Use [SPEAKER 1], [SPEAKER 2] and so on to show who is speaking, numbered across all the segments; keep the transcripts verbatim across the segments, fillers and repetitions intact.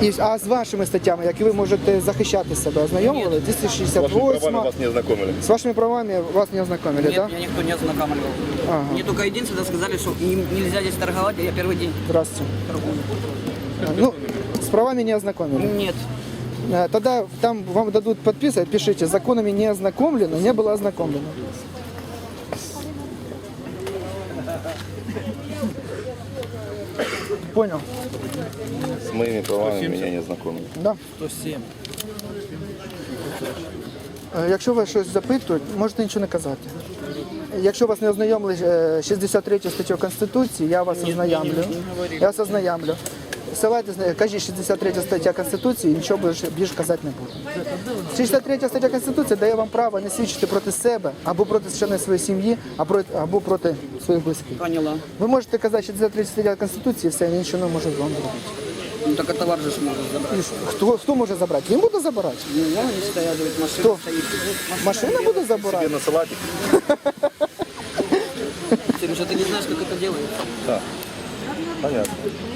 [SPEAKER 1] І, а з вашими статтями, які ви можете захищати себе, ознайомили? двісті шістдесят
[SPEAKER 2] С вашими правами
[SPEAKER 1] восьма.
[SPEAKER 2] вас не ознакомили.
[SPEAKER 1] С вашими правами вас не ознакомили,
[SPEAKER 3] Нет,
[SPEAKER 1] да?
[SPEAKER 3] меня никто не ознакомливал.
[SPEAKER 1] Ага.
[SPEAKER 3] Мне только единственное сказали, что им нельзя здесь торговать, а я первый день
[SPEAKER 1] Здравствуйте.
[SPEAKER 3] торгую.
[SPEAKER 1] Ну, с правами не ознакомили.
[SPEAKER 3] Нет.
[SPEAKER 1] Э, Тогда там вам дадут подписывать, пишите, законами не ознакомлено, не было ознакомлено. Понял?
[SPEAKER 2] С моими правами меня не ознакомили.
[SPEAKER 1] Да.
[SPEAKER 4] сто сім.
[SPEAKER 1] Е, Якщо вас щось запитують, можете нічого не казати. Якщо вас не ознайомили е, шістдесят третю статтю Конституції, я вас ознайомлю. Я вас ознайомлю. Ссилайтесь, на- кажіть шістдесят третя стаття Конституції, нічого більше, більше казати не буду. шістдесят третя стаття Конституції дає вам право не свідчити проти себе, або проти членів своєї сім'ї, або, або проти своїх близьких.
[SPEAKER 3] Поняла.
[SPEAKER 1] Ви можете казати шістдесят третя стаття Конституції, все, він нічого не може вам зробити.
[SPEAKER 3] Ну так товар же ж может забрать.
[SPEAKER 1] І що? Хто, хто може забрати? Він буде забирати.
[SPEAKER 3] Ну, вон они стоят, говорит, машина
[SPEAKER 1] Кто?
[SPEAKER 3] стоит.
[SPEAKER 1] Машина буде забирати.
[SPEAKER 2] Тебе на салатик?
[SPEAKER 3] Ты же ты не знаешь, как это делается.
[SPEAKER 2] Да. Понятно.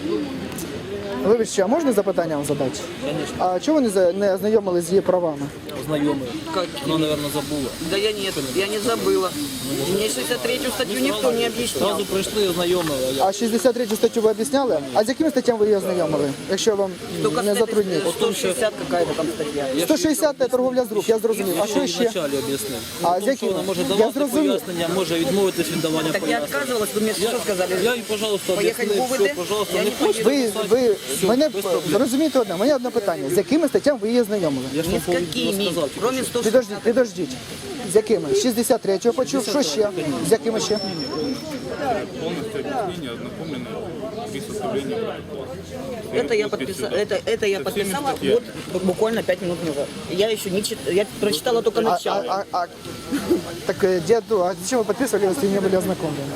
[SPEAKER 1] Вибачте, а можна запитання вам задати? А чого ви не, за- не ознайомилися з її правами?
[SPEAKER 4] Знайомий.
[SPEAKER 3] Как?
[SPEAKER 4] Вона, мабуть, забула.
[SPEAKER 3] Да я нет, я не забыла. Мне шестьдесят третью статью никто не объяснял.
[SPEAKER 4] Зразу прийшли і ознайомили. а я-
[SPEAKER 1] А шістдесят третю статтю ви об'ясняли? А з якими статтями ви її ознайомили? Якщо вам
[SPEAKER 3] Только
[SPEAKER 1] не
[SPEAKER 3] с этой
[SPEAKER 1] затруднить.
[SPEAKER 3] сто шестьдесят какая-то там статья.
[SPEAKER 1] сто шістдесят – це торговля з рук, я зрозумів. А що
[SPEAKER 4] Я
[SPEAKER 1] ще?
[SPEAKER 4] вначалі об'яснив.
[SPEAKER 1] А
[SPEAKER 4] А
[SPEAKER 1] з
[SPEAKER 4] що
[SPEAKER 1] якими?
[SPEAKER 4] вона може
[SPEAKER 1] Я
[SPEAKER 4] давати
[SPEAKER 1] зрозумів.
[SPEAKER 4] пояснення, може відмовитись від давання
[SPEAKER 3] Так я
[SPEAKER 4] пояснень.
[SPEAKER 3] отказывалась, вы мне что сказали?
[SPEAKER 4] Я їй, пожалуйста,
[SPEAKER 3] Поїхати
[SPEAKER 4] об'яснив,
[SPEAKER 3] в УВД?
[SPEAKER 4] все, пожалуйста,
[SPEAKER 3] Я
[SPEAKER 4] не
[SPEAKER 3] не
[SPEAKER 4] хочете
[SPEAKER 1] Ви,
[SPEAKER 4] писати?
[SPEAKER 1] ви
[SPEAKER 4] Все,
[SPEAKER 1] мене
[SPEAKER 4] без проблем.
[SPEAKER 1] зрозумієте одне, мене одне питання. З якими статтями ви її ознайомили?
[SPEAKER 4] Я ж
[SPEAKER 3] Ни
[SPEAKER 4] вам
[SPEAKER 3] с
[SPEAKER 4] повинен
[SPEAKER 3] какими,
[SPEAKER 4] розказав.
[SPEAKER 3] кроме сто
[SPEAKER 1] Підождіть,
[SPEAKER 3] шестьдесят.
[SPEAKER 1] підождіть. З якими? шістдесят третю почув, що ще? З якими ще?
[SPEAKER 5] Полностью объяснение ознакомлено при составлении протокола.
[SPEAKER 3] Это я подписала, это, это я
[SPEAKER 5] Со всеми
[SPEAKER 3] подписала
[SPEAKER 5] статьями.
[SPEAKER 3] вот буквально пять минут назад. Я еще не читала, я прочитала только
[SPEAKER 1] А,
[SPEAKER 3] начало.
[SPEAKER 1] а, а, а, так, е, деду, а зачем ви підписували, якщо не були ознакомлені?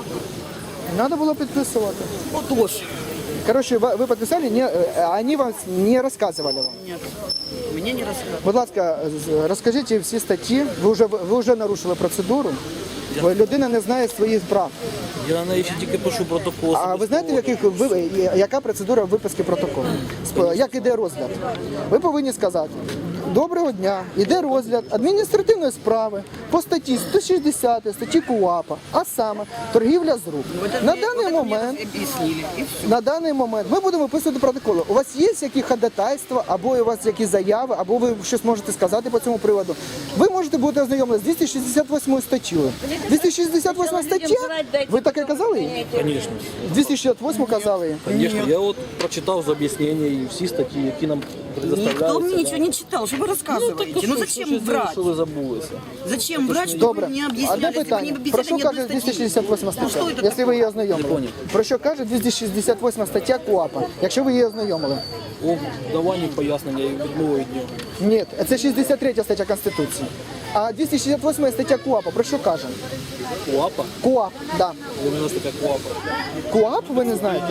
[SPEAKER 1] Надо було підписувати.
[SPEAKER 3] Вот ложь.
[SPEAKER 1] Короче, вы вы подписали, не, э, они вам не рассказывали вам.
[SPEAKER 3] Нет, мне не рассказывали.
[SPEAKER 1] Будь ласка, з- розкажіть всі статті. Ви вже ви вже нарушили процедуру. Бо людина не знає своїх прав.
[SPEAKER 4] Я на неї ще тільки пишу протокол.
[SPEAKER 1] А ви знаєте, в яких ви яка процедура виписки протоколу? Сп- Як іде розгляд? Ви повинні сказати: доброго дня, іде розгляд адміністративної справи по статті сто шістдесят статті КУАПа, а саме торгівля з рук.
[SPEAKER 3] Вот это
[SPEAKER 1] На
[SPEAKER 3] мне-
[SPEAKER 1] даний
[SPEAKER 3] вот это мне
[SPEAKER 1] момент.
[SPEAKER 3] объяснили. И все.
[SPEAKER 1] На даний момент ми будемо виписувати протоколи. У вас є які ходатайства, або у вас якісь заяви, або ви щось можете сказати по цьому приводу. Ви можете бути ознайомлені з двісті шістдесят восьмою статтею. двісті шістдесят восьма стаття? Ви таке казали їй?
[SPEAKER 4] Звісно.
[SPEAKER 1] двісті шістдесят восьму казали їй?
[SPEAKER 4] Звісно, я от прочитав з об'яснення і всі статті, які нам предоставляються.
[SPEAKER 3] Никто мне
[SPEAKER 4] да.
[SPEAKER 3] ничего не читал, что вы рассказываете. Ну,
[SPEAKER 4] що,
[SPEAKER 3] зачем
[SPEAKER 4] що,
[SPEAKER 3] врать?
[SPEAKER 4] Що ви забулися?
[SPEAKER 3] Зачем врать, что
[SPEAKER 1] Добре.
[SPEAKER 3] вы мне
[SPEAKER 1] Одне
[SPEAKER 3] объясняли? Если бы не
[SPEAKER 1] питання.
[SPEAKER 3] объясняли
[SPEAKER 1] Про що
[SPEAKER 3] ни
[SPEAKER 1] каже
[SPEAKER 3] одной
[SPEAKER 1] двісті
[SPEAKER 3] статьи.
[SPEAKER 1] шістдесят восьма
[SPEAKER 3] Ну,
[SPEAKER 1] стаття?
[SPEAKER 3] что это
[SPEAKER 1] Якщо ви її
[SPEAKER 4] Не
[SPEAKER 1] ознайомили.
[SPEAKER 4] понял.
[SPEAKER 1] Про що каже двісті шістдесят восьма стаття КУАПа, якщо ви її ознайомили?
[SPEAKER 4] О даванні пояснення і відмови від нього.
[SPEAKER 1] Ні, це шістдесят третя стаття Конституції. А двісті шістдесят восьма стаття КУАПа про що каже?
[SPEAKER 4] КУАПа?
[SPEAKER 1] КУАП, да.
[SPEAKER 4] У нас така КУАПа.
[SPEAKER 1] КУАП ви не знаєте?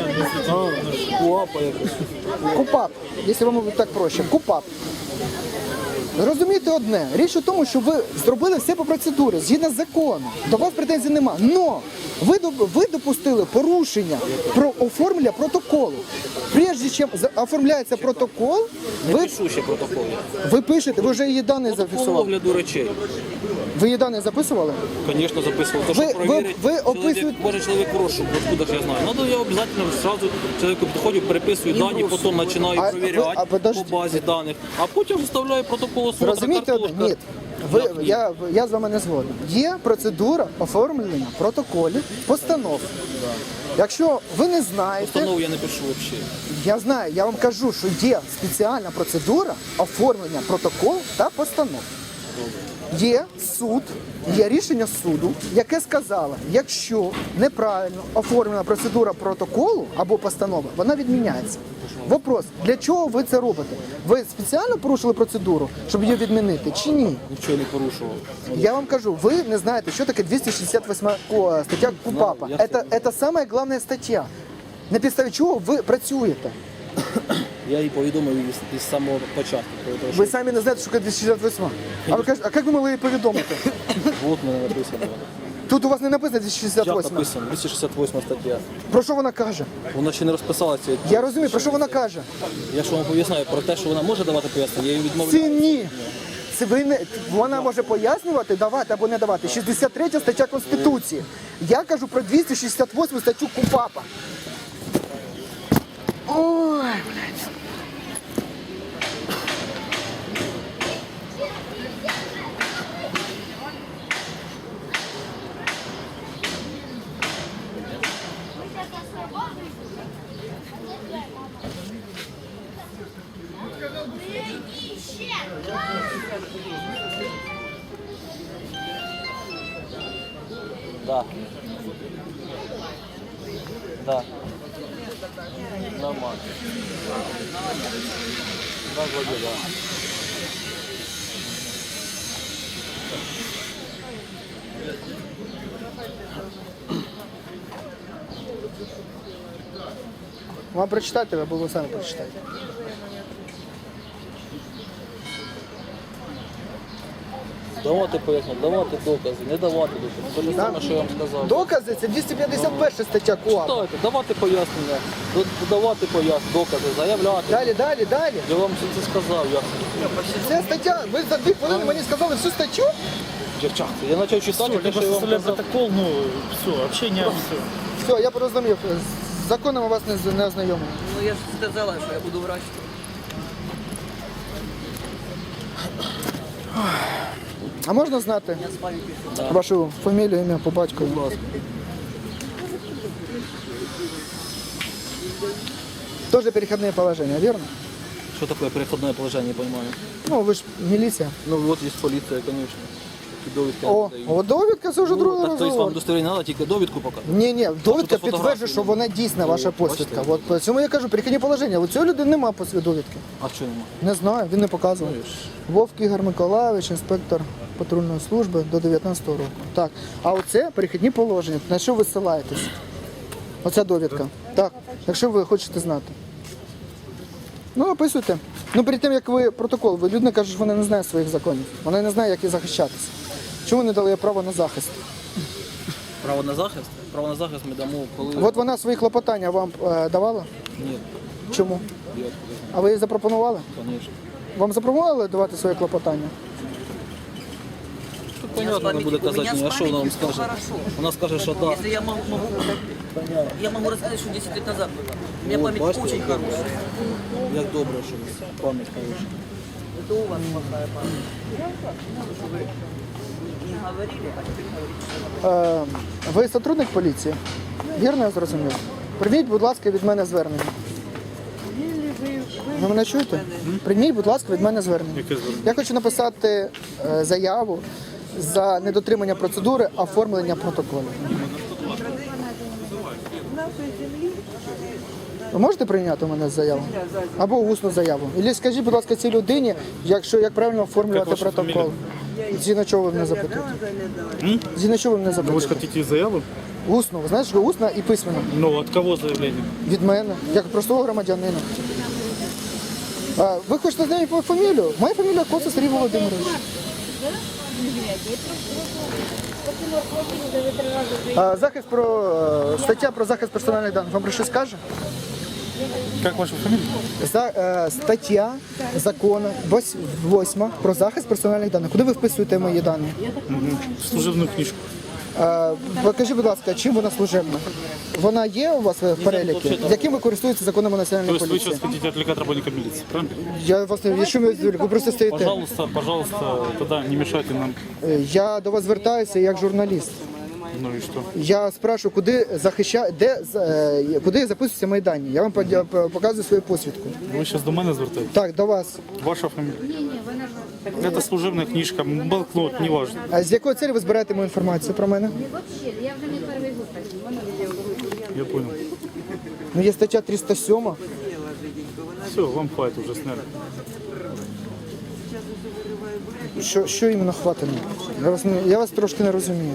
[SPEAKER 4] А, КУАПа якось.
[SPEAKER 1] КУПАП, якщо вам так проще. КУПАП. Розумієте одне, річ у тому, що ви зробили все по процедурі, згідно з законом. До вас претензій нема. Но ви, доп- ви допустили порушення про оформлення протоколу. Прежде чим за- оформляється протокол,
[SPEAKER 4] Не
[SPEAKER 1] ви,
[SPEAKER 4] пишу ще протокол.
[SPEAKER 1] ви пишете, ви вже її дані
[SPEAKER 4] Протокол
[SPEAKER 1] зафіксували.
[SPEAKER 4] огляду речей.
[SPEAKER 1] Ви її дані записували?
[SPEAKER 4] Звісно, записував. То,
[SPEAKER 1] Ви-
[SPEAKER 4] що
[SPEAKER 1] ви-
[SPEAKER 4] перевірить,
[SPEAKER 1] ви
[SPEAKER 4] чоловік,
[SPEAKER 1] описуєте-
[SPEAKER 4] може чоловік в розшук, откуда ж я знаю. Надо я обов'язково сразу чоловіку підходжу, переписую дані, потім починаю
[SPEAKER 1] А
[SPEAKER 4] перевіряти
[SPEAKER 1] ви- а подожди.
[SPEAKER 4] по базі даних, а потім виставляю протокол осмотру,
[SPEAKER 1] Розумієте одне?
[SPEAKER 4] картошка.
[SPEAKER 1] Ні. Ви,
[SPEAKER 4] Як ні?
[SPEAKER 1] я, я з вами не згоден. Є процедура оформлення протоколів, постанов. Якщо ви не знаєте,
[SPEAKER 4] Постанову я не пишу взагалі.
[SPEAKER 1] я знаю, я вам кажу, що є спеціальна процедура оформлення протоколу та постанов. Є суд, є рішення суду, яке сказало, якщо неправильно оформлена процедура протоколу або постанова, вона відміняється. Вопрос, для чого ви це робите? Ви спеціально порушили процедуру, щоб її відмінити, чи ні?
[SPEAKER 4] Нічого не порушував.
[SPEAKER 1] Я вам кажу, ви не знаєте, що таке двісті шістдесят восьма ко- стаття КУПАПа.
[SPEAKER 4] я
[SPEAKER 1] Це, це саме головна стаття. На підставі чого ви працюєте?
[SPEAKER 4] Я їй повідомив із, із самого початку. Тому що
[SPEAKER 1] Ви самі не знаєте, що таке двісті шістдесят восьма. А ви кажете, а як ви могли її повідомити?
[SPEAKER 4] от мене написано.
[SPEAKER 1] Тут у вас не написано двісті шістдесят
[SPEAKER 4] Як
[SPEAKER 1] восьма.
[SPEAKER 4] написано? двісті шістдесят восьма стаття.
[SPEAKER 1] Про що вона каже?
[SPEAKER 4] Вона ще не розписалася.
[SPEAKER 1] Я розумію, про що вона каже.
[SPEAKER 4] Я ж вам поясняю про те, що вона може давати пояснення, я її відмовляю.
[SPEAKER 1] Це ні. Це ви не... Вона може пояснювати, давати або не давати. шістдесят третя стаття Конституції. Я кажу про двісті шістдесят восьму статтю КУпАПа. Ой, блядь.
[SPEAKER 4] Да. Да. Нормально. Да, вроде да.
[SPEAKER 1] Вам прочитати, або ви самі прочитаєте.
[SPEAKER 4] Давати пояснення, давати докази, не давати докази. Те ж саме, що я вам сказав.
[SPEAKER 1] Докази це двісті п'ятдесят перша стаття КУАП.
[SPEAKER 4] Читайте, давати пояснення, до- давати пояснення, докази, заявляти.
[SPEAKER 1] Далі, далі, далі.
[SPEAKER 4] Я вам все це сказав, як
[SPEAKER 1] Це стаття, ви за дві хвилини мені сказали всю статтю?
[SPEAKER 4] дівчата. Я почав читати, те, що я вам
[SPEAKER 5] составляем
[SPEAKER 4] казав.
[SPEAKER 5] протокол, ну, все, общение, все.
[SPEAKER 1] Все, я порозумів. З законом у вас не, з- не ознайомлено.
[SPEAKER 3] Ну я ж сказала, що я буду врач.
[SPEAKER 1] А можна знати
[SPEAKER 3] Я з вами пишу.
[SPEAKER 1] вашу фамілію, ім'я по батькові?
[SPEAKER 4] Будь ласка.
[SPEAKER 1] Тоже переходные положения, верно?
[SPEAKER 4] Что такое переходное положение, не понимаю.
[SPEAKER 1] Ну, ви ж міліція.
[SPEAKER 4] Ну вот есть полиция, конечно. Такі довідки
[SPEAKER 1] О,
[SPEAKER 4] не дають.
[SPEAKER 1] о, довідка це вже
[SPEAKER 4] Ну,
[SPEAKER 1] другий
[SPEAKER 4] так, то есть вам
[SPEAKER 1] розговор.
[SPEAKER 4] удостоверення треба, тільки довідку показати.
[SPEAKER 1] Ні, ні, довідка
[SPEAKER 4] фотографії
[SPEAKER 1] підтверджує, що вона дійсна,
[SPEAKER 4] Ну,
[SPEAKER 1] ваша
[SPEAKER 4] бачите?
[SPEAKER 1] посвідка. От по цьому я кажу, перехідні положення. У цієї людини немає посвід довідки.
[SPEAKER 4] А що нема?
[SPEAKER 1] Не знаю, він не показував. Вовк Ігор Миколаївич, інспектор патрульної служби до дев'ятнадцятого року. Так, а оце перехідні положення. На що ви ссилаєтесь? Оця довідка. Так, якщо ви хочете знати. Ну, описуйте. Ну, перед тим, як ви протокол, ви людина каже, що вона не знає своїх законів. Вона не знає, як їй захищатися. Чому не дали їй право на захист?
[SPEAKER 4] Право на захист? Право на захист ми дамо, коли...
[SPEAKER 1] От вона свої клопотання вам е, давала?
[SPEAKER 4] Ні,
[SPEAKER 1] Чому?
[SPEAKER 4] я
[SPEAKER 1] А ви їй запропонували?
[SPEAKER 4] звісно.
[SPEAKER 1] Вам запропонували давати своє клопотання?
[SPEAKER 4] Тут понятно, вона буде
[SPEAKER 3] у меня
[SPEAKER 4] казати,
[SPEAKER 3] с
[SPEAKER 4] ні, а що вона вам
[SPEAKER 3] памятью всё
[SPEAKER 4] скаже?
[SPEAKER 3] хорошо.
[SPEAKER 4] Вона скаже, що так.
[SPEAKER 3] Если я могу, могу я могу рассказать, что десять лет назад было. У меня
[SPEAKER 4] Вот,
[SPEAKER 3] память
[SPEAKER 4] бачите,
[SPEAKER 3] очень
[SPEAKER 4] як
[SPEAKER 3] хорошая.
[SPEAKER 4] Як добре, що у вас пам'ять хороша.
[SPEAKER 3] Это у вас плохая память. Что вы не говорили, а теперь говорите.
[SPEAKER 1] Е, ви сотрудник поліції? Вірно я зрозумів? Прийміть, будь ласка, від мене звернення. Ви мене чуєте? Прийміть, будь ласка, від мене звернення.
[SPEAKER 5] Яке звернення?
[SPEAKER 1] Я хочу написати е, заяву за недотримання процедури оформлення протоколу. Ви можете прийняти у мене заяву? Або усну заяву. Або скажіть, будь ласка, цій людині, якщо, як правильно оформлювати
[SPEAKER 5] Як ваша
[SPEAKER 1] протокол. Згідно чого ви мене запитуєте? Згідно чого ви мене
[SPEAKER 5] Ну, вы же
[SPEAKER 1] запитуєте?
[SPEAKER 5] хотите заяву?
[SPEAKER 1] Усно, ви знаєте, що усно і письменно.
[SPEAKER 5] Ну, от кого заявление?
[SPEAKER 1] Від мене, як простого громадянина. А, ви хочете знати мою фамілію? Моя фамілія Коца Сергій Володимирович. А, захист про е, стаття про захист персональних даних. Вам про що скаже?
[SPEAKER 5] Как ваша фамилия?
[SPEAKER 1] За, е, стаття закону вось- восьма про захист персональних даних. Куди ви вписуєте мої дані?
[SPEAKER 5] Служебную книжку.
[SPEAKER 1] Е, покажіть, будь ласка, чим вона служебна? Вона є у вас в переліку? Яким ви користуєтеся законами
[SPEAKER 5] То
[SPEAKER 1] національної
[SPEAKER 5] есть вы
[SPEAKER 1] поліції?
[SPEAKER 5] сейчас хотите отвлекать работника милиции, правильно?
[SPEAKER 1] Я вас не що ви ви просто стоїте.
[SPEAKER 5] Пожалуйста, пожалуйста, тогда не мешайте нам.
[SPEAKER 1] Е, Я до вас звертаюся як журналіст.
[SPEAKER 5] Ну и что?
[SPEAKER 1] Я спрашиваю, куди захища... де з- е, куди записуються мої дані. Я вам подя- п- показую свою посвідку.
[SPEAKER 5] Ви зараз до мене звертаєтесь?
[SPEAKER 1] Так, до вас.
[SPEAKER 5] Ваша фамилия? Это служебная книжка, блокнот, неважно.
[SPEAKER 1] А з якої цілі ви збираєте мою інформацію про мене?
[SPEAKER 6] Вообще, я вже не перший год так.
[SPEAKER 5] Я понял.
[SPEAKER 1] Ну, є стаття триста сьома.
[SPEAKER 5] Все, вам хватит уже сняли.
[SPEAKER 1] Що, що іменно хватить? Я вас, не- я вас трошки не розумію.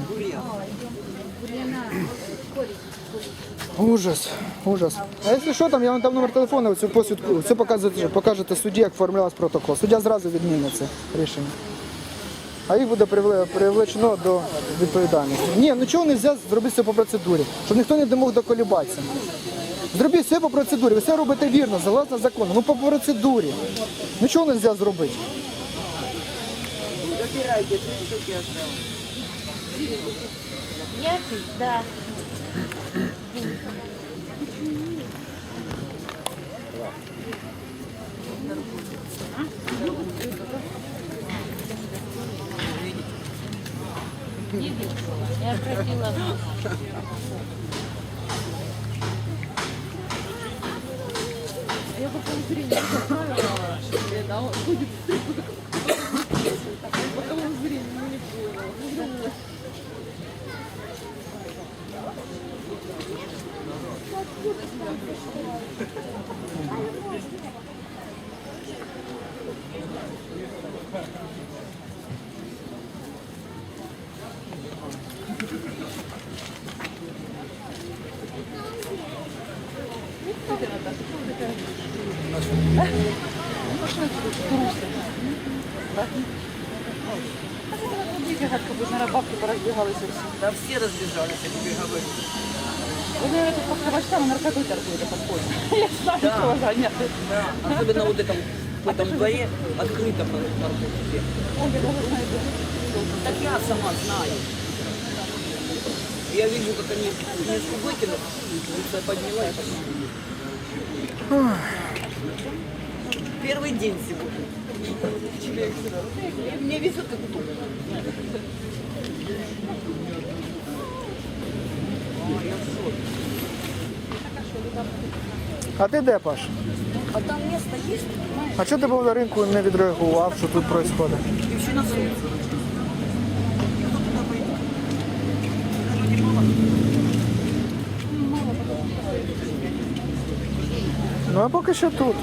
[SPEAKER 1] Ужас, ужас. А якщо що, там я вам дам номер телефону, цю посвідку, це покажете, покажете судді, як оформлялась протокол. Суддя зразу відмінить це рішення. а їх буде привле- привлечено до відповідальності. Ні, ну чого не можна зробити все по процедурі, щоб ніхто не мог доколібатися. Зробіть все по процедурі, ви все робите вірно, согласно закону, ну по процедурі. Ну чого не можна зробити?
[SPEAKER 3] Забирайте, три штуки осталось.
[SPEAKER 6] Який? Да. Я просила.
[SPEAKER 3] Да все разбежались, я тебе говорю. Да. Особенно вот этом, в этом дворе открыто по наркотике. Так я сама знаю. Я вижу, как они книжку выкинут, лицо подняла и пошла. Первый день сегодня. Мне везет как тут.
[SPEAKER 1] А ти де, Паш?
[SPEAKER 3] А там место есть?
[SPEAKER 1] А чого ти був на ринку не відреагував, що тут відбувається?
[SPEAKER 3] И все на солнце.
[SPEAKER 1] Ну а поки що тут.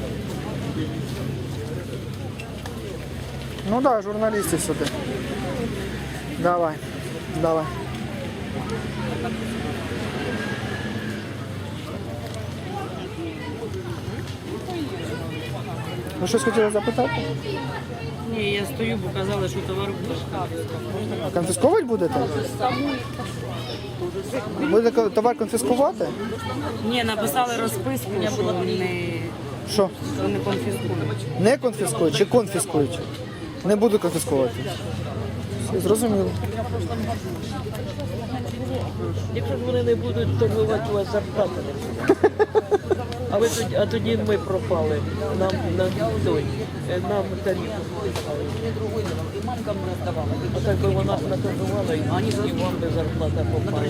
[SPEAKER 1] Ну так, да, журналісти сюди. Давай, давай. Ви щось хотіли запитати?
[SPEAKER 7] Ні, я стою, бо казали, що товар буде.
[SPEAKER 1] Конфісковувати будете? Будете товар конфіскувати?
[SPEAKER 7] Ні, написали розписку, що не,
[SPEAKER 1] Що?
[SPEAKER 7] що не конфіскують.
[SPEAKER 1] Не конфіскують чи конфіскують? Не буду конфіскувати. Все, зрозуміло.
[SPEAKER 8] Якщо ж вони не будуть торгувати, у вас зарплата не буде. А, ви тоді, а тоді ми пропали. Нам на той, е, нам тариф.
[SPEAKER 3] Мне другой давал. И мамка мне раздавала.
[SPEAKER 8] А так би вона ж наторгувала, і
[SPEAKER 3] Они за
[SPEAKER 8] і вам би зарплата попала.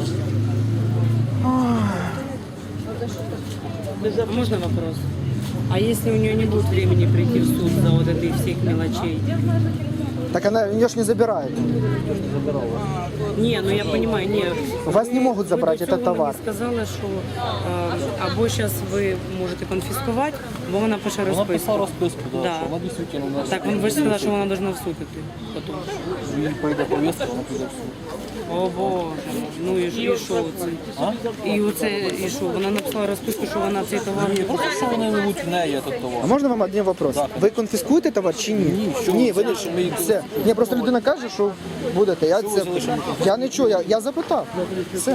[SPEAKER 8] Не за
[SPEAKER 7] А можно вопрос? А если у нее не будет времени прийти в суд за вот этой всех мелочей?
[SPEAKER 1] Так она, ее ж не забирают.
[SPEAKER 7] Не, ну я понимаю, не.
[SPEAKER 1] Вас не могут забрать
[SPEAKER 7] Ви до
[SPEAKER 1] этот
[SPEAKER 7] цього
[SPEAKER 1] товар.
[SPEAKER 7] мені сказали, що е, або зараз ви можете конфіскувати, або вона пише
[SPEAKER 4] Вона писала
[SPEAKER 7] розписку.
[SPEAKER 4] розписку, да,
[SPEAKER 7] Да.
[SPEAKER 4] що вона дійсно у нас.
[SPEAKER 7] Так, ви ж сказали, що вона повинна в суд іти потім.
[SPEAKER 4] Їй прийде повістка, вона піде в суд.
[SPEAKER 7] О Боже, ну і, ж- і що це? І оце, і що? Вона написала розписку, що вона цей товар не
[SPEAKER 4] Просто що вони ведуть в неї этот
[SPEAKER 1] А
[SPEAKER 4] товар.
[SPEAKER 1] можна вам один вопрос? Ви конфіскуєте товар чи ні?
[SPEAKER 4] Ні, що
[SPEAKER 1] ні,
[SPEAKER 4] ви
[SPEAKER 1] ви
[SPEAKER 4] це, що ми їх
[SPEAKER 1] все. Ні, просто людина каже, що будете. Я це я не чую, я, я запитав. Все.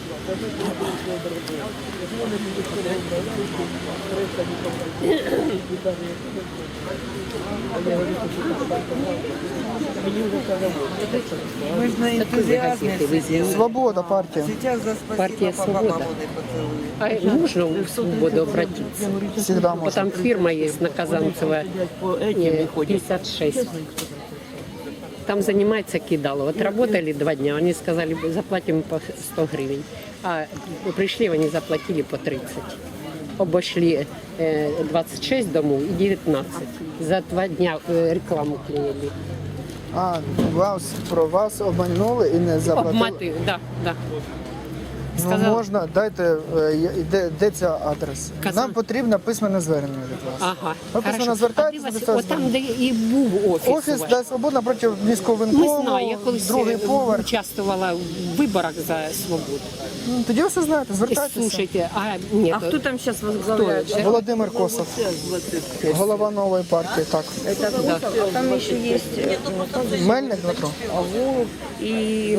[SPEAKER 3] Мы же на энтузиазме сидим.
[SPEAKER 1] Свобода партія.
[SPEAKER 3] Сейчас за спасибо
[SPEAKER 9] Партия
[SPEAKER 3] по
[SPEAKER 9] «Свобода».
[SPEAKER 3] бабоны поцелуем.
[SPEAKER 9] А можно в свободу обратиться?
[SPEAKER 1] Всегда
[SPEAKER 9] Вот
[SPEAKER 1] можна.
[SPEAKER 9] там фирма есть на Казанцева э, пятьдесят шесть. Там занимается кидало. Вот работали два дня, они сказали, заплатим по сто гривен. А пришли, они заплатили по тридцать. Обошли э, двадцать шесть домов и девятнадцать. За два дня э, рекламу клеили.
[SPEAKER 1] А, вас, про вас обманули і не заплатили.
[SPEAKER 9] Обматы, да, да.
[SPEAKER 1] Ну,
[SPEAKER 9] Сказав,
[SPEAKER 1] можна, дайте, е, є- де, де ця адрес.
[SPEAKER 9] Казан-
[SPEAKER 1] Нам потрібно письменне звернення від вас.
[SPEAKER 9] ага.
[SPEAKER 1] Ви письменно
[SPEAKER 9] Хорошо.
[SPEAKER 1] звертаєтесь,
[SPEAKER 9] А де вас-
[SPEAKER 1] написали
[SPEAKER 9] от там, де і був офіс. у
[SPEAKER 1] Офіс
[SPEAKER 9] вас.
[SPEAKER 1] «Да, Свобода» проти міського
[SPEAKER 9] Ми
[SPEAKER 1] винкому,
[SPEAKER 9] знаю, я колись
[SPEAKER 1] другий
[SPEAKER 9] е,
[SPEAKER 1] поверх.
[SPEAKER 9] участвувала в виборах за свободу.
[SPEAKER 1] Ну, тоді ви все знаєте, звертайтеся.
[SPEAKER 9] Слушайте, а ні,
[SPEAKER 6] А
[SPEAKER 9] то-
[SPEAKER 6] хто там зараз возглавляє?
[SPEAKER 1] Володимир Косов, голова нової партії, так.
[SPEAKER 6] А там ще є
[SPEAKER 1] Мельник Дмитро,
[SPEAKER 6] Агуров і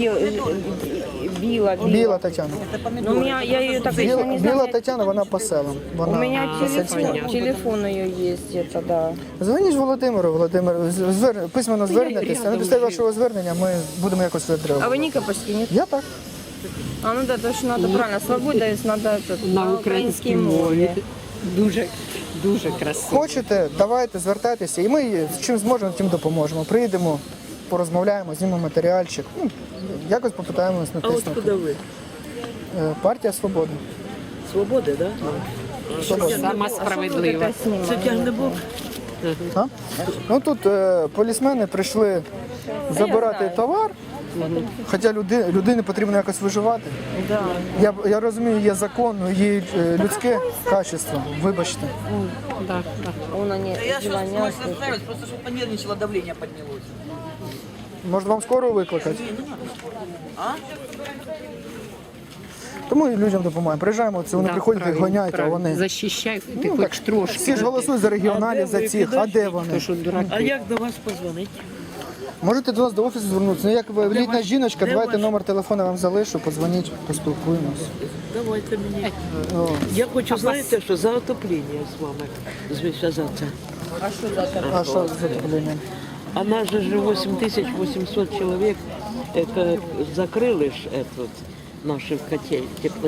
[SPEAKER 6] Біла.
[SPEAKER 1] Біла Тетяна.
[SPEAKER 6] Ну, у меня, я ее так
[SPEAKER 1] Біла,
[SPEAKER 6] не
[SPEAKER 1] Біла
[SPEAKER 6] знаю.
[SPEAKER 1] Тетяна, вона по селам. Вона
[SPEAKER 6] У меня
[SPEAKER 1] сільська.
[SPEAKER 6] телефон, телефон ее есть, это да.
[SPEAKER 1] Дзвоніть Володимиру, Володимир, звер... письменно звернетеся. На підставі вашого звернення ми будемо якось
[SPEAKER 6] А
[SPEAKER 1] відреагувати.
[SPEAKER 6] вы Никопольский, нет?
[SPEAKER 1] Я так.
[SPEAKER 6] А ну да, точно надо правильно. Свобода, если надо этот,
[SPEAKER 9] на українській мові. Дуже, дуже красиво.
[SPEAKER 1] Хочете, давайте, звертайтеся, і ми чим зможемо, тим допоможемо. Приїдемо, порозмовляємо, знімемо матеріальчик. Ну, якось попитаємось
[SPEAKER 8] А от
[SPEAKER 1] натиснути.
[SPEAKER 8] куди ви?
[SPEAKER 1] Е, Партія Свобода.
[SPEAKER 8] Свободи, так? Да?
[SPEAKER 9] Сама справедлива.
[SPEAKER 8] Це тягне Бог.
[SPEAKER 1] А? Ну тут е, полісмени прийшли забирати товар, хоча люди, людині потрібно якось виживати.
[SPEAKER 6] Да.
[SPEAKER 1] Я, я розумію, є закон, ну, є е, людське качество, вибачте.
[SPEAKER 9] Да, да.
[SPEAKER 6] Он они
[SPEAKER 3] Я сейчас
[SPEAKER 6] звонят.
[SPEAKER 3] смысл ставить, просто чтобы понервничало, давление поднялось.
[SPEAKER 1] Може вам скоро викликати?
[SPEAKER 3] А?
[SPEAKER 1] Тому і людям допомагаємо. Приїжджаємо, це вони
[SPEAKER 9] Да,
[SPEAKER 1] приходять і
[SPEAKER 9] правильно,
[SPEAKER 1] гоняють, а
[SPEAKER 9] правильно.
[SPEAKER 1] вони.
[SPEAKER 9] Захищають, ти
[SPEAKER 1] Ну,
[SPEAKER 9] хоч
[SPEAKER 1] так,
[SPEAKER 9] трошки.
[SPEAKER 1] всі ж голосують за регіоналів, за цих, а де вони?
[SPEAKER 9] То, що дураки.
[SPEAKER 8] А як до вас позвонити?
[SPEAKER 1] Можете до нас до офісу звернутися. Ну, як ви літня жіночка,
[SPEAKER 8] де
[SPEAKER 1] давайте
[SPEAKER 8] ваш?
[SPEAKER 1] номер телефону вам залишу, подзвоніть, поспілкуємось.
[SPEAKER 8] Давайте мені.
[SPEAKER 1] О.
[SPEAKER 8] Я хочу, знаєте, що за отоплення з вами зв'язатися.
[SPEAKER 1] А що за проблема?
[SPEAKER 8] А нас же же восемь тысяч восемьсот человек это, закрыли ж этот, наши котель, тепло.